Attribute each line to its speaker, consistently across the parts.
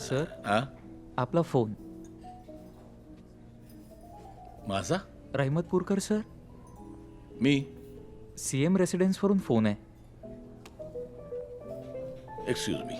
Speaker 1: Sir
Speaker 2: हा
Speaker 1: आपला phone.
Speaker 2: माझा
Speaker 1: रहमतपूरकर सर,
Speaker 2: मी
Speaker 1: CM रेसिडेन्सवरून फोन आहे.
Speaker 2: Excuse me.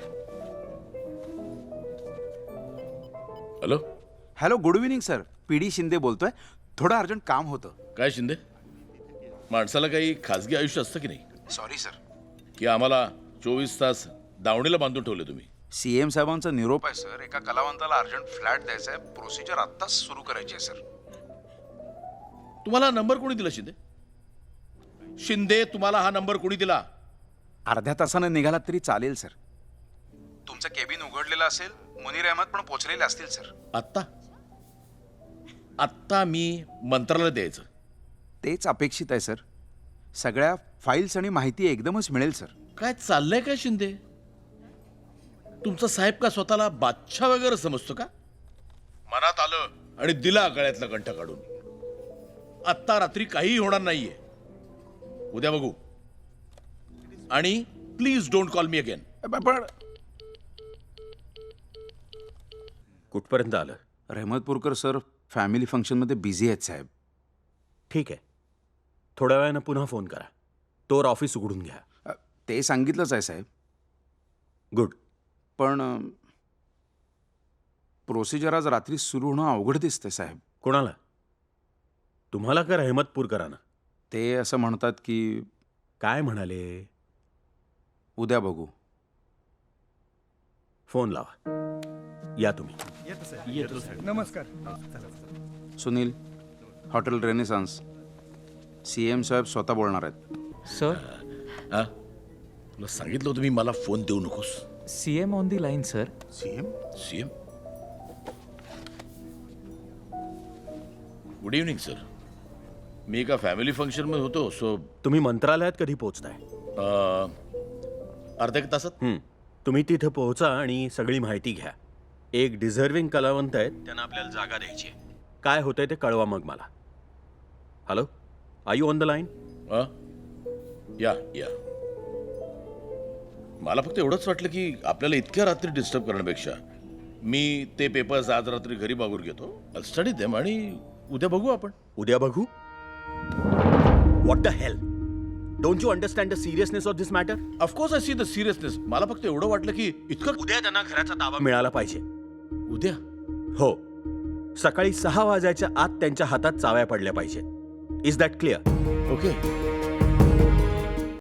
Speaker 2: Hello,
Speaker 3: hello, good evening sir. PD Shinde बोलतोय. थोडं अर्जंट काम होतं.
Speaker 2: काय शिंदे? माणसाला काही खाजगी आयुष्य असतं की नाही?
Speaker 3: Sorry sir.
Speaker 2: की आम्हाला 24 तास दावणीला बांधून ठेवले तुम्ही?
Speaker 3: CM साहेबांचा निरोप आहे सर. एका कलावंताला अर्जंट फ्लॅट द्यायचा आहे. प्रोसिजर आत्ताच सुरू करायची आहे सर.
Speaker 2: तुम्हाला नंबर कोणी दिला शिंदे? शिंदे, तुम्हाला हा नंबर कोणी दिला?
Speaker 3: अर्ध्या तासानं निघालात तरी चालेल सर. तुमचं केबिन उघडलेलं असेल. मुनीर अहमद पण पोचलेले असतील सर.
Speaker 2: आत्ता आत्ता मी मंत्रालयात द्यायचं?
Speaker 3: तेच अपेक्षित आहे सर. सगळ्या फाईल्स आणि माहिती एकदमच मिळेल सर.
Speaker 2: काय चाललंय काय शिंदे? तुमचा साहेब का स्वतःला बादशाह वगैरे समजतो का? मनात आलं आणि दिला गळ्यातला कंठ काढून. आत्ता रात्री काहीही होणार नाहीये. उद्या बघू. आणि please don't call me again.
Speaker 3: पण
Speaker 4: कुठपर्यंत आलं?
Speaker 3: रहमतपूरकर सर फॅमिली फंक्शनमध्ये बिझी आहेत साहेब.
Speaker 4: ठीक आहे, थोड्या वेळानं पुन्हा फोन करा. तोवर ऑफिस उघडून घ्या.
Speaker 3: ते सांगितलंच आहे साहेब.
Speaker 4: गुड.
Speaker 3: पण प्रोसिजर आज रात्री सुरू होणं अवघड दिसतंय साहेब.
Speaker 4: कोणाला? तुम्हाला का रहमतपूरकरांना?
Speaker 3: ते असं म्हणतात की
Speaker 4: काय म्हणाले?
Speaker 3: उद्या बघू.
Speaker 4: फोन लावा. या तुम्ही.
Speaker 5: नमस्कार.
Speaker 3: Sunil, hotel Renaissance. CM साहेब स्वतः बोलणार आहेत.
Speaker 1: सर,
Speaker 2: हा, तुला सांगितलं होतं मी, मला फोन देऊ नकोस.
Speaker 1: CM on the line sir.
Speaker 2: CM. Good evening sir. मी एका फॅमिली फंक्शनमध्ये होतो. सो
Speaker 4: तुम्ही मंत्रालयात कधी पोहोचताय?
Speaker 2: अर्ध्या एक तासात.
Speaker 4: तुम्ही तिथे पोहोचा आणि सगळी माहिती घ्या. एक डिझर्विंग कलावंत आहेत, त्यांना आपल्याला जागा द्यायची आहे. काय होतंय ते कळवा मग मला. Hello, are you on the line?
Speaker 2: Yeah yeah. मला फक्त एवढंच वाटलं की आपल्याला इतक्या रात्री डिस्टर्ब करण्यापेक्षा मी ते पेपर्स आज रात्री घरी मागून घेतो. स्टडी देम आणि उद्या बघू आपण.
Speaker 4: उद्या बघू? What the hell? Don't you understand the seriousness of this matter?
Speaker 2: Of course I see the seriousness. मला फक्त एवढं वाटलं की इतकं.
Speaker 4: उद्या त्यांना घराचा ताबा मिळाला पाहिजे.
Speaker 2: उद्या?
Speaker 4: हो, सकाळी 6 वाजायच्या आत त्यांच्या हातात चाव्या पडल्या पाहिजेत. Is that clear?
Speaker 2: ओके.